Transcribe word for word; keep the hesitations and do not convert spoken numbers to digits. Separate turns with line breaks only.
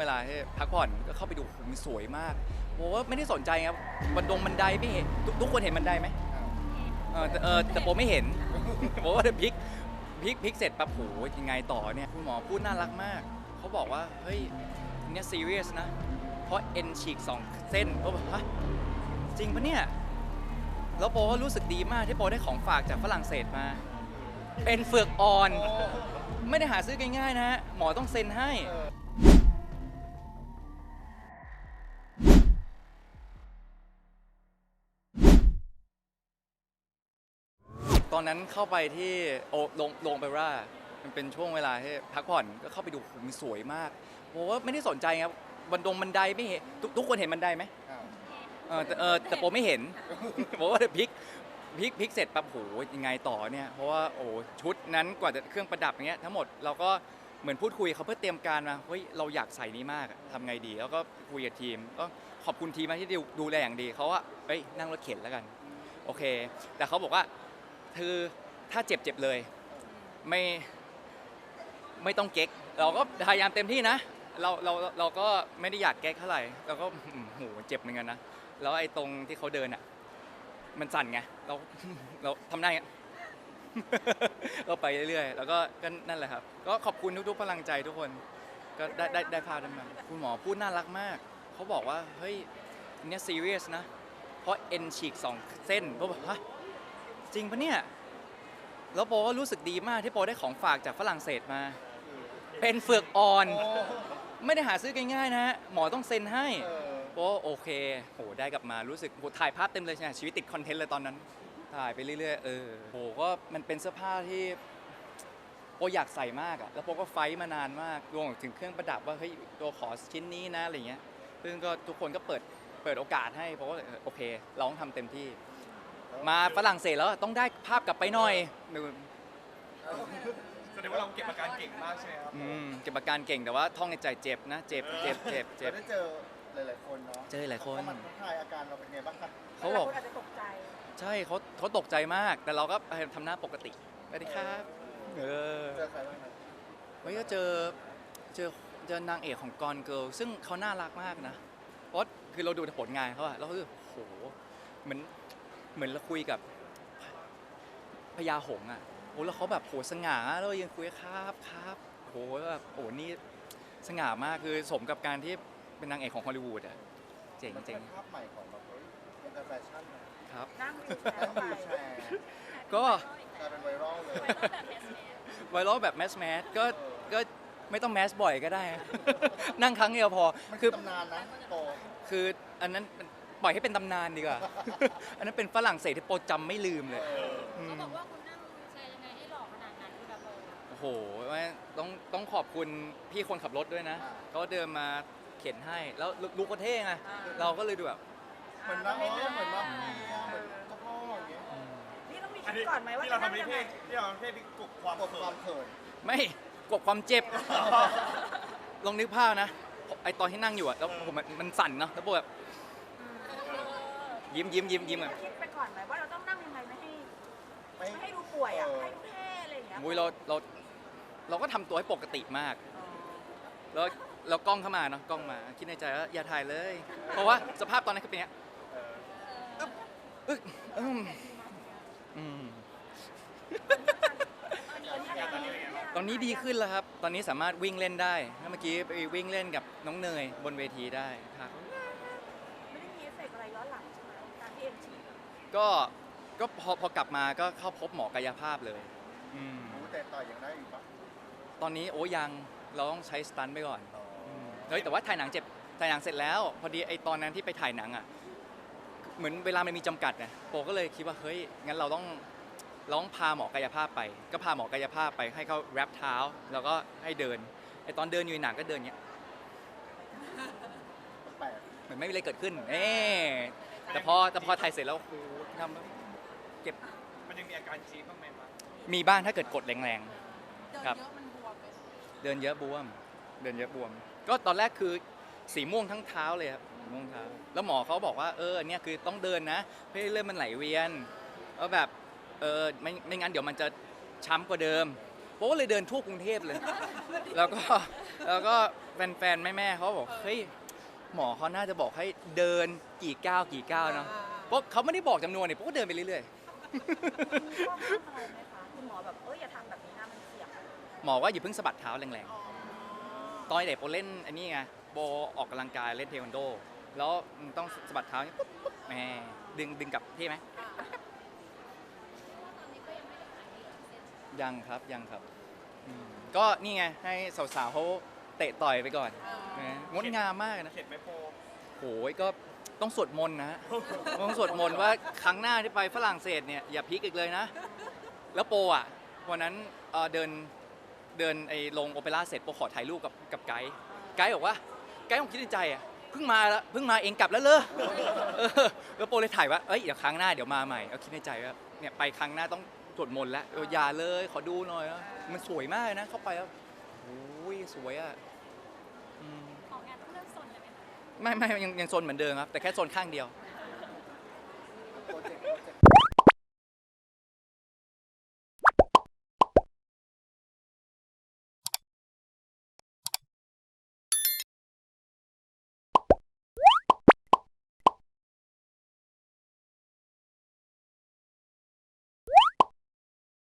ลาให้พักผ่อนก็เข้าไปดูมันสวยมากโอ้ไม่ได้สนใจครับบันดงบันไดไม่เห็นทุกทุกคนเห็นบันไดไหมเออแต่เออแต่โปไม่เห็นโปว่าพลิกพลิกพลิกเสร็จปั๊บโหยังไงต่อเนี่ยคุณหมอพูดน่ารักมากเขาบอกว่าเฮ้ยเนี่ยซีเรียสนะเพราะเอ็นฉีกสองเส้นเขาบอกฮะจริงปะเนี่ยแล้วโปก็รู้สึกดีมากที่โปได้ของฝากจากฝรั่งเศสมาเป็นเฟือกอ่อนไม่ได้หาซื้อง่ายๆนะฮะหมอต้องเซ็นให้ตอนนั้นเข้าไปที่โอโรงโรงเปร่ามันเป็นช่วงเวลาที่พักผ่อนก็เข้าไปดูมันสวยมากโอ้ไม่ได้สนใจครับบันดงบันไดไม่เห็นทุกทุกคนเห็นบันไดไหมเออแต่เออแต่โปไม่เห็นโปว่าพลิกพลิกพลิกเสร็จปั๊บโหยังไงต่อเนี่ยเพราะว่าโอ้ชุดนั้นกว่าจะเครื่องประดับอย่างเงี้ยทั้งหมดเราก็เหมือนพูดคุยเขาเพื่อเตรียมการมาเฮ้ยเราอยากใส่นี้มากทำไงดีแล้วก็คุยกับทีมก็ขอบคุณทีมมากที่ดูแลอย่างดีเขาว่าเฮ้ยนั่งรถเข็นแล้วกันโอเคแต่เขาบอกว่าคือถ้าเจ็บเจ็บเลยไม่ไม่ต้องเก๊กเราก็พยายามเต็มที่นะเราเราเราก็ไม่ได้อยากเก๊กเท่าไหร่เราก็โหเจ็บเหมือนกันนะแล้วไอ้ตรงที่เขาเดินอ่ะมันสั่นไงเราเราทำได้ไงก็ไปเรื่อยๆแล้วก็ก็นั่นแหละครับก็ขอบคุณทุกๆพลังใจทุกคนก็ได้ได้ได้พาได้มาคุณหมอพูดน่ารักมากเขาบอกว่าเฮ้ยเนี่ยซีเรียสนะเพราะเอ็นฉีกสองเส้นเขาบอกฮะจริงปะเนี่ยแล้วโปก็รู้สึกดีมากที่โปได้ของฝากจากฝรั่งเศสมาเป็นเฟือกอ่อนไม่ได้หาซื้อง่ายๆนะฮะหมอต้องเซ็นให้โปโอเคโหได้กลับมารู้สึกโหถ่ายภาพเต็มเลยใช่ไหมชีวิตติดคอนเทนต์เลยตอนนั้นถ่ายไปเรื่อยๆเออโหก็มันเป็นเสื้อผ้าที่โปอยากใส่มากอะแล้วโปก็ไฟท์มานานมากรวมถึงเครื่องประดับว่าเฮ้ยตัวขอชิ้นนี้นะอะไรเงี้ยซึ่งก็ทุกคนก็เปิดเปิดโอกาสให้เพราะว่าโอเคเราต้องทำเต็มที่มาฝรั่งเศสแล้วต้องได้ภาพกลับไปหน่อย
แสดงว่าเราเก็บอาการเก่งมากใช่ไหมครับ
อืมเก็บอาการเก่งแต่ว่าท่องในใจเจ็บนะเจ็บเจ็บเจ็บเจ็บ
ได้เจอหลายๆคนเนาะ
เจอหลายคน
เขามาทักทายอาการเราเป็นไงบ้างครับ
เขาบอก
อาจจะตกใจ
ใช่เขาเขาตกใจมากแต่เราก็ทำหน้าปกติสวัสดีครับเออ
เจอใครบ้างครับ
เฮ้ยก็เจอเจอเจอนางเอกของกอนเกิร์ลซึ่งเขาน่ารักมากนะเพราะคือเราดูผลงานเขาอะเราคือโหเหมือนเหมือนเราคุยกับพญาหงส์อะโอ้แล้วเขาแบบโหสง่าแล้วยังคุยครับครับโหแบบโอ้นี่สง่ามากคือสมกับการที่เป็นนางเอกของฮอลลีวูดอะเจ๋งเจ๋ง
ภาพใหม่ของแบบเฮ้ยเป็นแฟชั่น
ครับ
นั่งวิวแชร์ไป
แชร์
ก็
กลายเป็นไวรัลเลย
ไวรัลแบบแมสแมสก็ก็ไม่ต้องแมสบ่อยก็ได้ นั่งครั้งเดียวพอ
คือตำนานนะโต
คืออันนั้นปล่อยให้เป็นตำนานดีกว่า อันนั้นเป็นฝรั่งเศสที่โปรจำไม่ลืมเลย
เขาบอกว่าคุณนั่งแชร์ยังไงให้หล่อขนาดนั้นคุณแบบ
โอ้โหต้องต้องขอบคุณพี่คนขับรถด้วยนะเขาเดินมาเข็นให้แล้วลูกก็เท่ไงเราก็เลยดูแบบ
เหมือนว่าเหมือนว่าเหมือนเจ้าพ่ออย่างเงี้ย
นี่ต้องมีคิดก่อนไหมว่า
ที่เราทำในเพลงที่เราทำเพลงที่กบความ
กบความเขิน
ไม่กบความเจ็บลองนึกภาพนะไอตอนที่นั่งอยู่อะแล้วผมมันสั่นเนาะแล้วแบบยิ้มยิ้มยิ้มยิ้มอะ
คิดไปก่อนไหมว่าเราต้องนั่งยังไงไม่ให้ไม่ให้ดูป่วยอะให้ดูเท่อะไรอย่างเงี้ย
มุ้ยเราเราเราก็ทำตัวให้ปกติมากแล้วเรากล้องเข้ามาเนาะกล้องมาคิดในใจว่าอย่าถ่ายเลยเพราะว่าสภาพตอนนั้นคือเป็นอย่างเงี้ยอึ๊กอืมอืมตอนนี้ดีขึ้นแล้วครับตอนนี้สามารถวิ่งเล่นได้เมื่อกี้ไปวิ่งเล่นกับน้องเนยบนเวทีได้ครับ
ไม่ได้มีเอฟเฟกต์อะไรย้อนหลังใช่ไหมการที่เอ็นฉีก
ก็ก็พอพอกลับมาก็เข้าพบหมอกายภาพเลยอืม
แต่ต่อยังได้อยู่ปะ
ตอนนี้โอ้ยังเราต้องใช้สตันไปก่อนเฮ้ยแต่ว่าถ่ายหนังเจ็บถ่ายหนังเสร็จแล้วพอดีไอตอนนั้นที่ไปถ่ายหนังอ่ะเหมือนเวลามันมีจำกัดไงโปก็เลยคิดว่าเฮ้ยงั้นเราต้องเราต้องพาหมอกายภาพไปก็พาหมอกายภาพไปให้เขาแรปเท้าแล้วก็ให้เดินไอตอนเดินอยู่ในหนังก็เดินเงี้ยเหมือนไม่มีอะไรเกิดขึ้นเอ๊แต่พอแต่พอถ่ายเสร็จแล้วโอ้ทำเก็บ
มันยังมีอาการจี๊ดบ้างไหมครับ
มีบ้างถ้าเกิดกดแรงๆครับเดินเยอะบวมเดินเยอะบวมก็ตอนแรกคือสีม่วงทั้งเท้าเลยครับสีม่วงเท้าแล้วหมอเขาบอกว่าเออเนี่ยคือต้องเดินนะเพื่อให้เลือดมันไหลเวียนแล้วแบบเออไม่ไม่งั้นเดี๋ยวมันจะช้ำกว่าเดิมโป๊เลยเดินทั่วกรุงเทพเลย แล้วก็แล้วก็แฟนๆแม่ๆเขาบอกเฮ้ยหมอเขาน่าจะบอกให้เดินกี่ก้าวกี่ก้าวเนาะเพราะเขาไม่ได้บอกจำนวนเนี่ยโป๊ก็เดินไปเรื่อย
ข้อห้ามอะไรไหมคะคุณหมอแบบเอ้ยอย่าทำแบบนี้นะมันเสี่ยง
ๆ หมอว่าอย่าเพิ่งสะบัดเท้าแรงๆ ตอนเด็กโป๊เล่นอันนี้ไงโบออกกำลังกายเล่นเทควันโด แล้วมันต้องสะบัดเท้าอย่างนี้ปุ๊บปุ๊บแหมดึงดึงกลับที่ไหมยังครับยังครับอืมก็นี่ไงให้สาวๆเขาเตะต่อยไปก่อนนะงดงามมากนะ
เข็ดไหมโป
โอ้ยก็ต้องสวดมนต์นะฮะ ต้องสวดมนต์ว่าครั้งหน้าที่ไปฝรั่งเศสเนี่ยอย่าพลิกอีกเลยนะ แล้วโปอ่ะวันนั้นเอ่อเดินเดินไอ้ลงโอเปร่าเสร็จโปขอถ่ายรูปกับกับไกด์ไกด์บอกว่าไกด์ผมคิดในใจอ่ะเพิ่งมาแล้วเพิ่งมาเองกลับแล้วเลย เออแล้วโปเลยถ่ายว่าเอ้ยเดี๋ยวครั้งหน้าเดี๋ยวมาใหม่เอาคิดในใจว่าเนี่ยไปครั้งหน้าต้องสวดมนต์แล้วเอออย่าเลยขอดูหน่อยนะมันสวยมากนะเข้าไปแล้วโอ้ยสวยอ่ะอืม
ออกงานต้องเริ่มสนเลยไหมคะ
ไม่ไม่ยังยังโซนเหมือนเดิมครับ แต่แค่โซนข้างเดียว
อ